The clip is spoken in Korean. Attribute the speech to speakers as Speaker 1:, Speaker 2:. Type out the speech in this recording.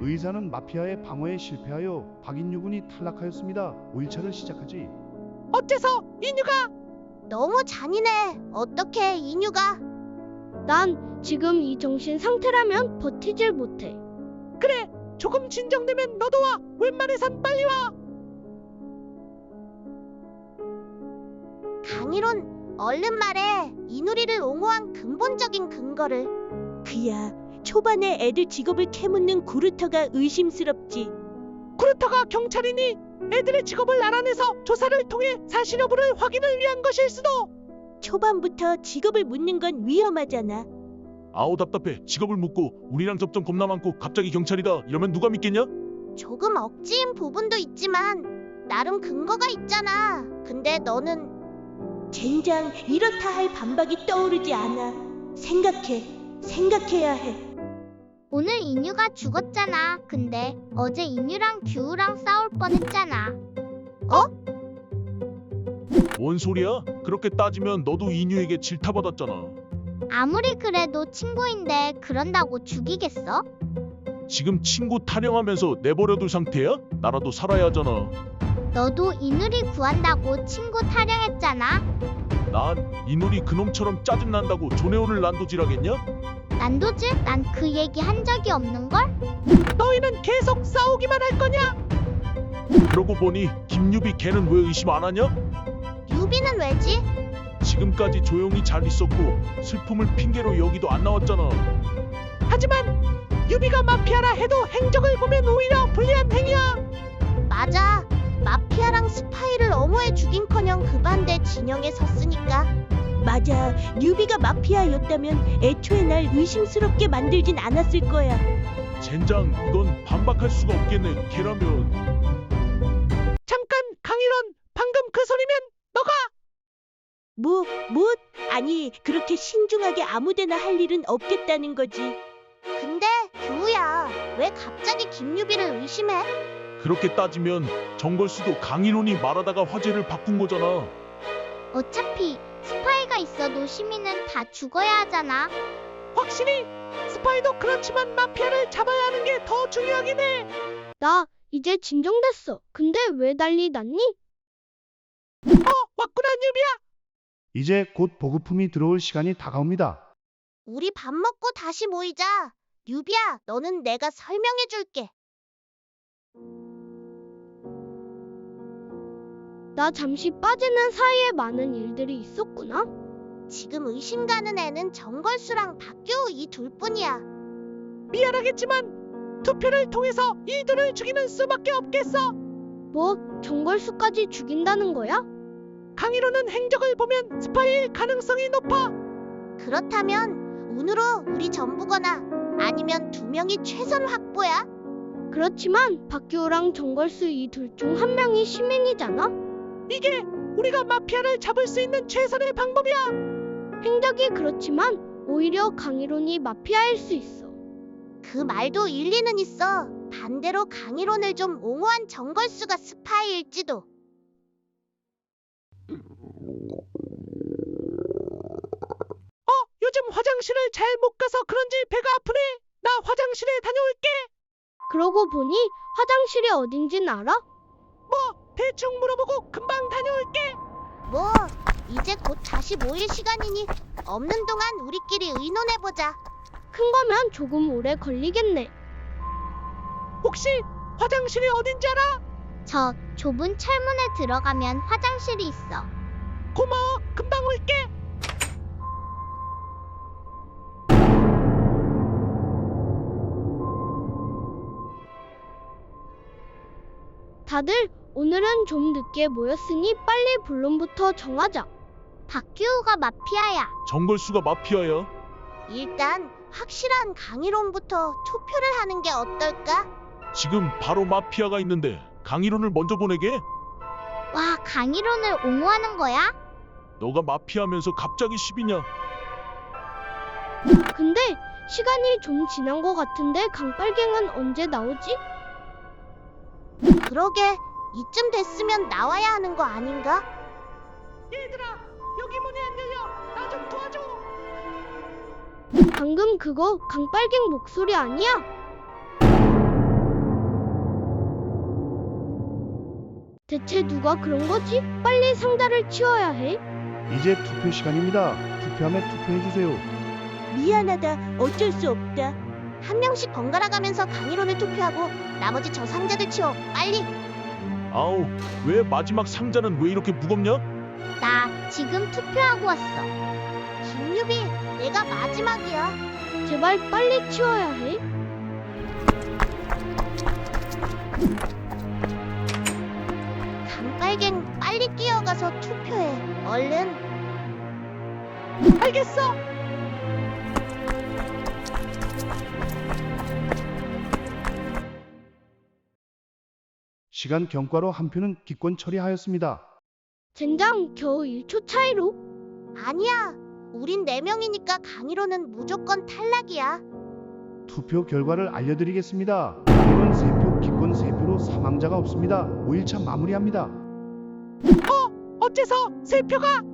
Speaker 1: 의사는 마피아의 방어에 실패하여 박인유 군이 탈락하였습니다. 5일차를 시작하지.
Speaker 2: 어째서 인유가?
Speaker 3: 너무 잔인해. 어떻게 인유가?
Speaker 4: 난 지금 이 정신 상태라면 버티질 못해.
Speaker 2: 그래, 조금 진정되면 너도 와. 웬만해선 빨리 와.
Speaker 3: 강일원, 얼른 말해. 이누리를 옹호한 근본적인 근거를.
Speaker 5: 그야, 초반에 애들 직업을 캐묻는 구루터가 의심스럽지.
Speaker 2: 쿠르터가 경찰이니 애들의 직업을 알아내서 조사를 통해 사실 여부를 확인을 위한 것일 수도.
Speaker 5: 초반부터 직업을 묻는 건 위험하잖아.
Speaker 6: 아우 답답해. 직업을 묻고 우리랑 접점 겁나 많고 갑자기 경찰이다 이러면 누가 믿겠냐?
Speaker 3: 조금 억지인 부분도 있지만 나름 근거가 있잖아. 근데 너는
Speaker 5: 젠장, 이렇다 할 반박이 떠오르지 않아. 생각해야 해.
Speaker 7: 오늘 인유가 죽었잖아. 근데 어제 인유랑 규우랑 싸울 뻔했잖아.
Speaker 6: 뭔 소리야? 그렇게 따지면 너도 인유에게 질타받았잖아.
Speaker 7: 아무리 그래도 친구인데 그런다고 죽이겠어?
Speaker 6: 지금 친구 타령하면서 내버려둘 상태야? 나라도 살아야 하잖아.
Speaker 7: 너도 이누리 구한다고 친구 타령했잖아.
Speaker 6: 난 이누리 그놈처럼 짜증난다고 조네오를 난도질하겠냐?
Speaker 7: 난도질? 난 그 얘기 한 적이 없는걸?
Speaker 2: 너희는 계속 싸우기만 할 거냐?
Speaker 6: 그러고 보니 김유비 걔는 왜 의심 안 하냐?
Speaker 3: 유비는 왜지?
Speaker 6: 지금까지 조용히 잘 있었고 슬픔을 핑계로 여기도 안 나왔잖아.
Speaker 2: 하지만 유비가 마피아라 해도 행적을 보면 오히려 불리한 행위야.
Speaker 3: 맞아. 마피아랑 스파이를 옹호해 죽인커녕 그 반대 진영에 섰으니까.
Speaker 5: 맞아, 뉴비가 마피아였다면 애초에 날 의심스럽게 만들진 않았을 거야.
Speaker 6: 젠장, 이건 반박할 수가 없겠네. 걔라면.
Speaker 2: 잠깐, 강일원, 방금 그 소리면 너가?
Speaker 5: 뭐? 아니, 그렇게 신중하게 아무데나 할 일은 없겠다는 거지.
Speaker 3: 근데 규우야, 왜 갑자기 김유비를 의심해?
Speaker 6: 그렇게 따지면 정걸수도 강인혼이 말하다가 화제를 바꾼 거잖아.
Speaker 7: 어차피 스파이가 있어도 시민은 다 죽어야 하잖아.
Speaker 2: 확실히 스파이도 그렇지만 마피아를 잡아야 하는 게 더 중요하긴 해.
Speaker 4: 나 이제 진정됐어. 근데 왜 난리 났니?
Speaker 2: 왔구나 유비야.
Speaker 1: 이제 곧 보급품이 들어올 시간이 다가옵니다.
Speaker 3: 우리 밥 먹고 다시 모이자. 유비야, 너는 내가 설명해 줄게.
Speaker 4: 나 잠시 빠지는 사이에 많은 일들이 있었구나.
Speaker 3: 지금 의심 가는 애는 정걸수랑 박규우 이 둘뿐이야.
Speaker 2: 미안하겠지만 투표를 통해서 이 둘을 죽이는 수밖에 없겠어.
Speaker 4: 뭐 정걸수까지 죽인다는 거야?
Speaker 2: 강일호는 행적을 보면 스파이일 가능성이 높아.
Speaker 3: 그렇다면 운으로 우리 전부거나 아니면 두 명이 최선 확보야.
Speaker 4: 그렇지만 박규호랑 정걸수 이 둘 중 한 명이 시민이잖아.
Speaker 2: 이게 우리가 마피아를 잡을 수 있는 최선의 방법이야.
Speaker 4: 행적이 그렇지만 오히려 강일원이 마피아일 수 있어.
Speaker 3: 그 말도 일리는 있어. 반대로 강일원을 좀 옹호한 정걸수가 스파이일지도.
Speaker 2: 요즘 화장실을 잘 못 가서 그런지 배가 아프네. 나 화장실에 다녀올게.
Speaker 4: 그러고 보니 화장실이 어딘진 알아?
Speaker 2: 뭐 대충 물어보고 금방 다녀올게.
Speaker 3: 뭐 이제 곧 다시 모일 시간이니 없는 동안 우리끼리 의논해보자.
Speaker 4: 큰 거면 조금 오래 걸리겠네.
Speaker 2: 혹시 화장실이 어딘지 알아?
Speaker 7: 저 좁은 철문에 들어가면 화장실이 있어.
Speaker 2: 고마워. 금방 올게.
Speaker 4: 다들 오늘은 좀 늦게 모였으니 빨리 본론부터 정하자.
Speaker 7: 박규우가 마피아야.
Speaker 6: 정걸수가 마피아야.
Speaker 3: 일단 확실한 강일원부터 투표를 하는 게 어떨까?
Speaker 6: 지금 바로 마피아가 있는데 강인혼을 먼저 보내게?
Speaker 7: 와, 강일원을 옹호하는 거야?
Speaker 6: 너가 마피아면서 갑자기 시비냐?
Speaker 4: 근데 시간이 좀 지난 것 같은데 강빨갱은 언제 나오지?
Speaker 3: 그러게 이쯤 됐으면 나와야 하는 거 아닌가?
Speaker 2: 얘들아, 여기 문이 안 열려. 나 좀 도와줘.
Speaker 4: 방금 그거 강빨갱 목소리 아니야? 대체 누가 그런 거지? 빨리 상자를 치워야 해.
Speaker 1: 이제 투표 시간입니다. 투표함에 투표해 주세요.
Speaker 5: 미안하다. 어쩔 수 없다.
Speaker 3: 한 명씩 번갈아 가면서 강의론을 투표하고 나머지 저 상자들 치워. 빨리.
Speaker 6: 아우, 왜 마지막 상자는 왜 이렇게 무겁냐?
Speaker 7: 나 지금 투표하고 왔어.
Speaker 3: 김유비, 내가 마지막이야.
Speaker 4: 제발 빨리 치워야 해.
Speaker 3: 강빨갱, 빨리 뛰어가서 투표해. 얼른.
Speaker 2: 알겠어.
Speaker 1: 시간 경과로 한 표는 기권 처리하였습니다.
Speaker 4: 젠장, 겨우 1초 차이로.
Speaker 3: 아니야. 우린 4명이니까 강의론은 무조건 탈락이야.
Speaker 1: 투표 결과를 알려드리겠습니다. 기권 3표, 기권 3표로 사망자가 없습니다. 5일차 마무리합니다.
Speaker 2: 어째서 세 표가